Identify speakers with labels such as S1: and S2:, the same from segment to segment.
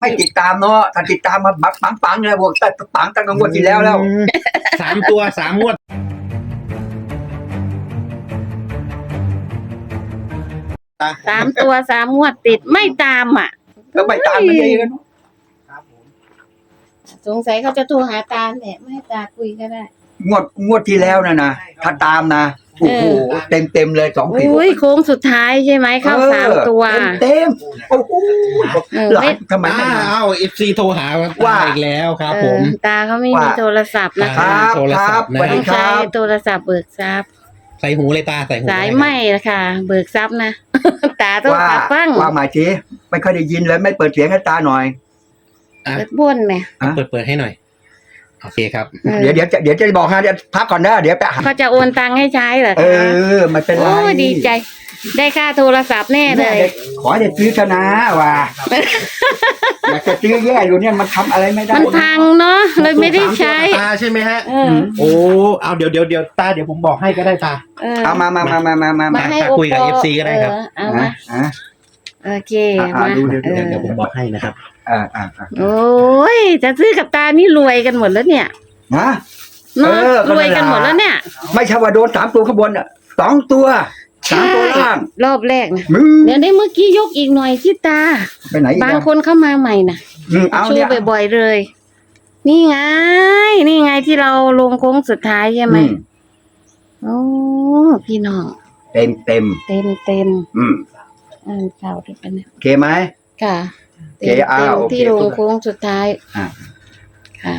S1: ให้ติดตามเนาะถ้าติดตามมาปังเลยบอกปังตั้งงวดที่แล้ว
S2: 3 ตัว 3 งวด
S3: 3 ตัว 3 งวดติดไม่ตามอ่ะ
S1: แล้วไม่ตามมันเองกัน
S3: สงสัยเขาจะโทรหาตาแหละไม่ให้ตาคุยก็ได้
S1: งวดที่แล้วนะถ้าตามนะโอ้โหเต็มเลย2 ปี
S3: อุ้ยโค้งสุดท้ายใช่ไหมเข้า3 ตัว
S1: เต็มโอ้โหหลานทำไมไม่
S2: อ้าวFC โทรหาว่าอีกแล้วครับผม
S3: ตาเขาไม่มีโทรศัพท์นะคะ
S2: โทรศัพท์นะ
S3: ต้องใช้โทรศัพท์เบิกทรัพย์
S2: ใส่หูเลยตาใส่หู
S3: สายไหมนะคะเบิกทรัพย์นะ ตาต้องขับฟัง
S1: ว่าหมายทีไม่ค่อยได้ยินเลยไม่เปิดเสียงให้ตาหน่อย
S3: เปิดบ้วนไหม
S2: เปิดให้หน่อยโอเคครับ
S1: เดี๋ยวจะบอกฮะเดี๋ยวพักก่อนนะเดี๋ยวไปหา
S3: เขาจะโอนตังค์ให้ใช้เหรอคะ
S1: มันเป็นไร
S3: โอ้ดีใจ ได้ค่าโทรศัพท์แน่เลย
S1: ขอให้ได้ซื้อชนะว่ะอยากจะซื้อแย่อยู่เนี่ยมันทำอะไรไม่ได้
S3: มันพังเนาะเลยไม่ได้ใช้
S2: ตาใช่ไหมฮะโอ้เอาเดี๋ยวตาเดี๋ยวผมบอกให้ก็ได้ตา
S1: เอามา
S3: ให้
S2: คุยกับ FC ก็ได้ครับ
S3: เอามาโอเคมา
S2: เดี๋ยวผมบอกให้นะครับ
S3: โอ้ยจะซื้อกับตานี่รวยกันหมดแล้วเนี่ย
S1: นะ
S3: รวยกันหมดแล้วเนี่ย
S1: ไม่ใช่ว่าโดน3 ตัวข้างบน2 ตัว3 ตัวล่าง
S3: รอบแรกนะเดี๋ยวได้เมื่อกี้ยกอีกหน่อยที่ตา
S1: ไปไหน
S3: บางคนเข้ามาใหม่นะชูบ่อยๆเลยนี่ไงที่เราลงโค้งสุดท้ายใช่ไหมโอ้พี่น้อง
S1: เต็ม
S3: ข่าวด้วยกันเนี่ย
S1: โอเคไหม
S3: ค่ะ
S1: เต็ม
S3: ที่ลงโค้งสุดท้ายค่ะ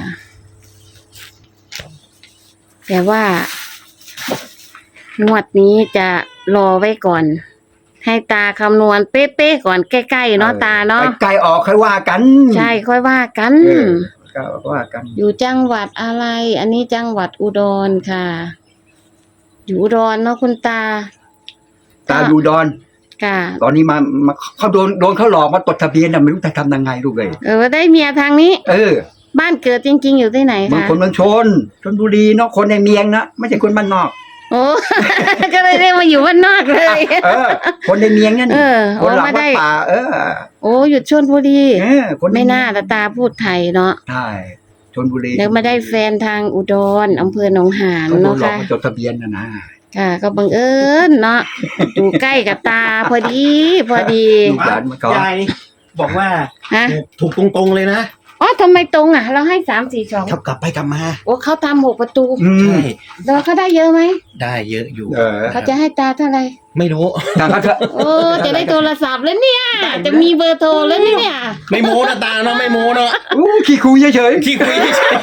S3: แต่ว่างวดนี้จะรอไว้ก่อนให้ตาคำนวณเป๊ะๆก่อนใกล้ๆเนาะตาเนาะ
S1: ใกล้ออกค่อยว่ากัน
S3: ใช่ค่อยว่ากัน
S1: ว่ากัน
S3: อยู่จังหวัดอะไร อันนี้จังหวัดอุดรค่ะอยู่อุดรเนาะคุณตา
S1: อยู่อุดร
S3: ค่ะ
S1: ตอนนี้มาเขาโดนเขาหลอกมาตดทะเบียนน่ะไม่รู้จะทำยังไงลูกเลย
S3: ได้เมียทางนี้บ้านเกิดจริงๆอยู่ที่ไหนคะ
S1: บางคนเมืองชลบุรีเนาะคนในเมียงนะไม่ใช่คนบ้านนอก
S3: โอ้ ก็เลยได้มาอยู่บ้านนอกเลย
S1: คนในเมียงนั่นคนหลังวัดป่า
S3: โอ้อยู่ชลบุรีไม่น่าตาพูดไทยเนาะ
S1: ใช่ชลบุรี
S3: แล้วมาได้แฟนทางอุดรอำเภอหนองหานเนาะค่ะ
S1: จดทะเบียนนะ
S3: ค่ะก็บังเอิญเนาะอยู่ใกล้กับตาพอดี
S2: ยายบอกว่าถูกตรงๆเลยนะ
S3: อ๋อทำไมตรงอ่ะเราให้3-4-2
S2: เขากลับไปกลับมา
S3: โอ้เขาทำ6 ประตู
S2: ใช่
S3: แล้วเขาได้เยอะไหม
S2: ได้เยอะอยู่
S3: เขาจะให้ตาเท่าไหร่
S2: ไม่รู้
S3: โอ้จะได้โทรศัพท์แล้วเนี่ยจะมีเบอร์โทรแล้วเนี่ย
S2: ไม่โม้นะตาเนาะไม่โม้เนาะ
S1: ขี้คุยเฉย
S2: ขี้คุยเฉย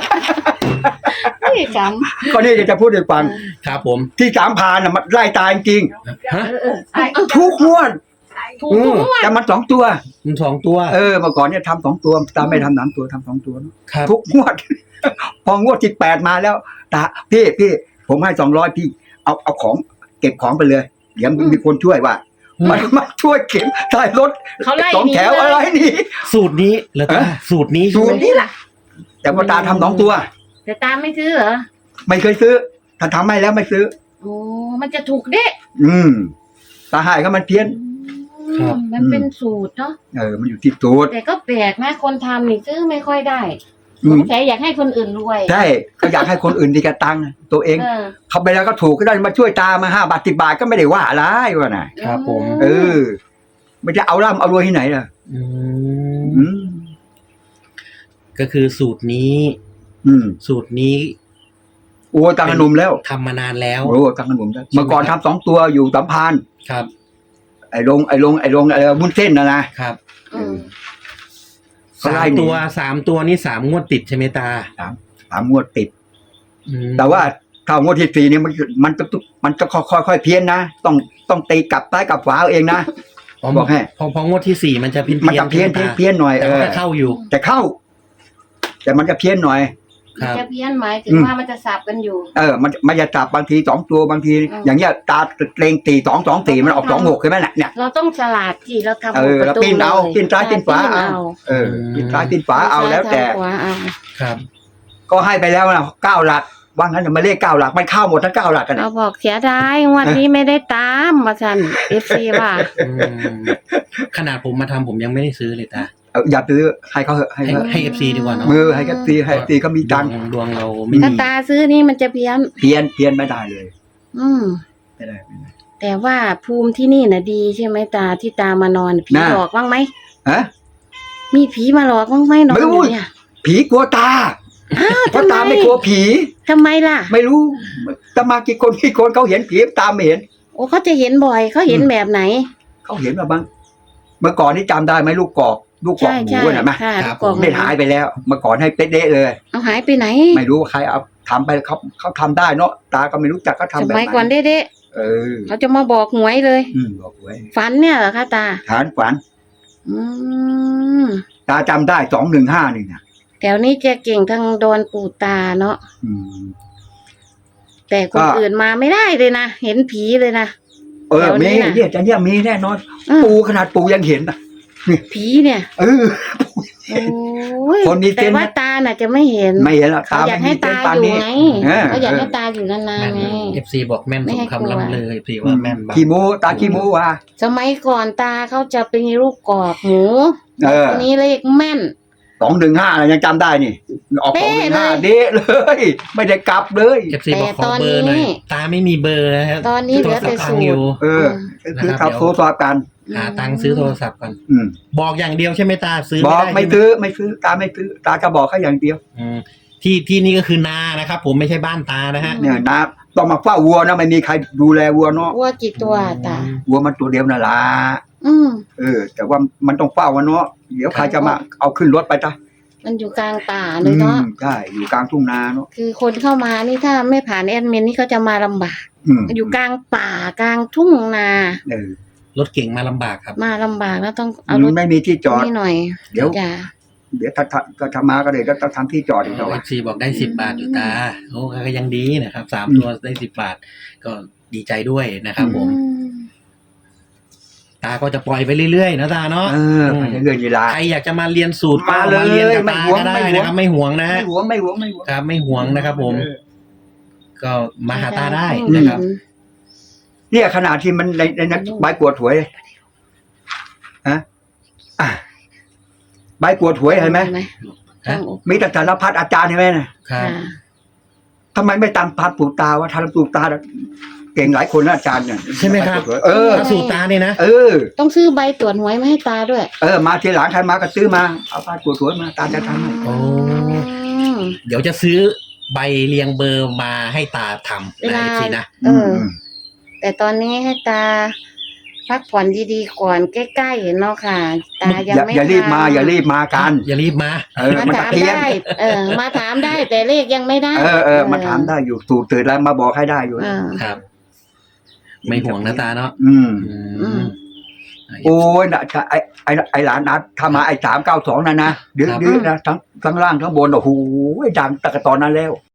S3: นี่จำ
S1: ก็นี่จะพูดให้ฟัง
S2: ครับผม
S1: ที่3 พานน่ะมันไล่ตายจริงทุกงวดแต่มัน2 ตัว
S2: 2 ตัว
S1: เมื่อก่อนเนี่ยทำ2 ตัวตาไม่ทำ3 ตัวทำ2 ตัวทุกงวดพองวดที่8มาแล้วตาพี่ผมให้200พี่เอาของเก็บของไปเลยเดี๋ยวมีคนช่วยว่ามันมาช่วยเก็บท้ายรถ2 แถวอะไรนี่
S2: สูตรนี้เหรอตาสูตรนี้
S1: แหละแต่ว่าตาทำ2 ตัว
S3: แต่ตาไม่ซื้อเหรอ
S1: ไม่เคยซื้อถ้าทำให้แล้วไม่ซื้อ
S3: โอ้มันจะถูกเด้
S1: ตาหายก็มันเพี้ยน
S3: มันเป็นสูตรเนาะ
S1: มันอยู่ที่สูตร
S3: แต่ก็แปลกนะคนทำนี่ซื้อไม่ค่อยได้แต่อยากให้คนอื่นรวย
S1: ใช่เขาอยากให้คนอื่นดีกับตังค์ตัวเองเขาไปแล้วก็ถูกก็ได้มาช่วยตามา5 บาท10 บาทก็ไม่ได้ว่าอะไรวะ
S2: นะครับผม
S1: ไม่จะเอาร่ำเอารวยที่ไหนล่ะ
S2: ก็คือสูตรนี้
S1: โอ้ตังขนมแล้ว
S2: ทำมานานแล้ว
S1: โอ้ตังขนมแล้วเมื่อก่อนทำ2 ตัวอยู่สัมพันธ์
S2: ครับ
S1: ไอ้ลงอะไรวุ้นเส้นนะครับ
S2: 3 ตัวนี่3 งวดติดใช่ไหมตา
S1: 3 งวดติดแต่ว่าถ้างวดที่4นี่มันจะค่อยๆเพี้ยนนะต้องตีกลับซ้ายกลับขวาเองนะบอกให้
S2: พองวดที่4มันจะเพี้
S1: ยนหน่อย
S2: แต่เข้าอยู่
S1: แต่เข้าแต่มันจะเพี้ยนหน่อย
S3: จะเพี้ยนหมายถึงว่ามันจะสับกันอยู่
S1: มันจะสับบางที2 ตัวบางทีอย่างเงี้ยตาเล็งตี2-2-4มันออก2-6ใช่ไหมเนี่ย
S3: เราต้องฉลาดที่เราทำ
S1: เราปิ้นเอาปิ้นซ้ายปิ้นขวาเอาปิ้นซ้ายปิ้นขวาเอาแล้วแต่
S2: ครับ
S1: ก็ให้ไปแล้วนะ9 หลักว่างั้นมาเลข9 หลักมันเข้าหมดทั้ง9 หลักกัน
S3: เราบอกเสียดายวันนี้ไม่ได้ตามมาฉัน FC ว่า
S2: ขนาดผมมาทำผมยังไม่ได้ซื้อเลยตา
S1: อย่าซื้อให้เขาเหอะให้
S2: ให้
S1: เขา
S2: ให้ FC ดีกว่าเนาะ
S1: มือให้กันตีให้ตีก็มีตังค์
S2: ดวงเราไม่
S3: ถ้า
S2: มี
S3: ตาซื้อนี่มันจะเพี้ยน
S1: เพี้ยนไม่ได้เลย
S3: อืม
S1: ไม่ได้ไม่ได้
S3: แต่ว่าภูมิที่นี่น่ะดีใช่ไหมตาที่ตามานอนผี
S1: น่ะ
S3: หลอกบ้างไหม
S1: ฮะ
S3: มีผีมาหลอกบ้างไหมนอน
S1: ไม่
S3: อ
S1: รู้
S3: ยู่เนี่ย
S1: ผีกลัวตา
S3: อ้าว
S1: เพราะ
S3: ทำไม
S1: ตาไม่กลัวผี
S3: ทำไมล่ะ
S1: ไม่รู้ตามากี่คนเขาเห็นผีตามไม่เห็น
S3: โอ้เขาจะเห็นบ่อยเขาเห็นแบบไหน
S1: เขาเห็นมาบ้างเมื่อก่อนนี่จำได้ไหมลูกกอกห
S3: ใช่
S1: มู
S3: ใช่
S1: น่ะไหม
S3: ค่ะลูกกอก
S1: ไม่หายไปแล้ว เมื่อก่อนให้เป๊ะๆเลย
S3: เอาหายไปไหน
S1: ไม่รู้ว่าใครเอาทำไปเขาทำได้เนาะตาก็ไม่รู้จักเขาทำ
S3: ส
S1: แบบ
S3: มัย
S1: ไห
S3: ก่อน
S1: น
S3: เด้
S1: เออ
S3: ๆเขาจะมาบอกหวยเลย
S1: บอกไว้
S3: ฝันเนี่ยเหรอคะตา
S1: ฐานฝัน
S3: อืม
S1: ตาจำได้215นี่นะ
S3: แถวนี้จะเก่งทางโดนปู่ตาเนาะ
S1: อืม
S3: แต่คน
S1: ก็
S3: อื่นมาไม่ได้เลยนะเห็นผีเลยนะ
S1: เออ
S3: แถวนี้
S1: มี
S3: น่ะ
S1: เนี่ยจะเนี่ยมีแน่นอน
S3: อืม
S1: ปูขนาดปูยังเห็นอ่ะ
S3: ผีเนี่ย
S1: เออ
S3: โอ้ย
S1: คนมีเซ
S3: แต่
S1: นส์
S3: ว่าตาน่ะจะไม่เห็น
S1: ไม่เห็นหรอก
S3: เขาอยากให้ตา
S1: ปาน
S3: อยู่
S1: นี้
S3: ไง
S1: เออ
S3: เขาอยากให้ตาอยู่นานๆไง
S2: FC บอกแม่น
S3: ไม่
S2: สม
S3: ให้กลัว
S2: คำล่ำเลย FC ว่าแม่นบ้าง
S1: ขี้โมตาขี้โมว่ะ
S3: สมัยก่อนตาเขาจะเป็นลูกกรอกหมู
S1: เออ
S3: ทีนี้เลขแม่น
S1: 215อะไรยังจำได้นี่ออก
S3: เป๊ะเลย
S1: 215เด้เลย ไม่ได้กลับเลย
S2: FC บอกขอเบอร์หน่อยตาไม่มีเบอร์นะฮะ
S3: ตอนนี้เหลือแต่
S2: โทรศัพท์พั
S3: สู
S2: ง
S3: ต
S2: อยู่
S3: ร
S1: เออคือขับโทรศัพท์กัน
S2: หาตังค์ซื้อโทรศัพท์ก่อน
S1: อืม
S2: บอกอย่างเดียวใช่ไหมตาซื้อ
S1: บอก
S2: ไม่
S1: ไม่
S2: ได้ใช่ห
S1: ไม่ซื้อตาไม่ซื้อตาก็บอกแค่อย่างเดียว
S2: อืมที่นี่ก็คือนานะครับ ผมไม่ใช่บ้านตานะฮะ
S1: เนี่ยนะต้องมาเฝ้าวัวนะไม่มีใครดูแลวัวเนาะ
S3: วัวกี่ตัวตา
S1: วัวมันตัวเดียวน่ะล่ะ
S3: อืม
S1: แต่ว่ามันต้องเฝ้ามันเนาะเดี๋ยวใครจะมาเอาขึ้นรถไปจ้ะ
S3: มันอยู่กลางป่าเลยเนาะ
S1: ใช่อยู่กลางทุ่งนาเนาะ
S3: คือคนเข้ามานี่ถ้าไม่ผ่านแอดมินนี่เขาจะมาลำบาก
S1: อืม
S3: อยู่กลางป่ากลางทุ่งนา
S1: เออ
S2: รถเก่งมาลำบากครับ
S3: มาลำบากแล้วต้องเอารถ
S1: ไม่มีที่จอด
S3: นี่หน่อย
S1: เดี๋ยว
S3: อย่า
S1: เดี๋ยวถ้ามาก็เลยก็ต้องทำที่จอดอีกหน่อย
S2: FC บอกได้10 บาทอยู่ตาโอ้ก็ยังดีนะครับ3 ตัวได้10 บาท ก็ดีใจด้วยนะครับผม
S3: อืม
S2: ตาก็จะปล่อยไปเรื่อยๆนะตาเนาะ
S1: ไปเรื่อยๆเวลา
S2: ใครอยากจะมาเรียนสูตร
S1: มาเลย
S2: เรียนกับ
S1: ไม่
S2: ตา
S1: หวง
S2: ก็ได้
S1: ไม่หวง
S2: นะครับไม่ห่วงนะ
S1: ไม่
S2: ฮะ
S1: หวงไม่หวง
S2: ครับไม่ห่วงนะครับผม
S1: เออ
S2: ก็มาหาตาได้
S3: อืม
S2: นะครับ
S1: เนี่ยขนาดที่มันในนั้นใบกวดหวยฮะอ่ะใบกวดหวยเห็นไหม
S2: ฮะ
S1: มีแต่สารพัดอาจารย์เห็นไหมน่ะ
S2: ครับ
S1: ทำไมไม่ตามพานปู่ตาว่าทานปู่ตาเก่งหลายคนนะอาจารย์เนี่ย
S2: ใช่ไหมครับ
S1: เออ
S2: สูตรตาเนี่ยนะ
S1: เออ
S3: ต้องซื้อใบตรวจหวยมาให้ตาด้วย
S1: มาทีหลังใครมาก็ซื้อมาเอาพานปู่สวยมาตาจะทำให้
S2: โอ้
S3: อืม
S2: เดี๋ยวจะซื้อใบเรียงเบอร์มาให้ตาทำ
S3: เว
S2: นะ
S3: ลา
S2: อีกทีนะ
S3: เออ แต่ตอนนี้ให้ตา พักผ่อนดีๆก่อนใกล้ๆเนาะค่ะ ตายังไม่
S1: อย่ารีบมา
S3: ทำ
S1: อย่ารีบมากัน
S2: อย่ารีบมา
S3: มา
S1: มัน
S3: ถาม
S1: เพี้ยน
S3: ได้ มาถามได้แต่เลขยังไม่ได้
S1: มาถามได้อยู่สูตรตื่นแล้วมาบอกให้ได้อยู่
S3: เออ
S2: ครับ ไม่ห่วงนะตาเนาะ
S1: อืม
S2: อืม
S1: โอ้ยนะไอหลานนัดถ้ามาไอ้392นั่นนะดื้อๆนะทั้งล่างทั้งบนโอ้โหดังตั้งแต่ตอนนั้นแล้ว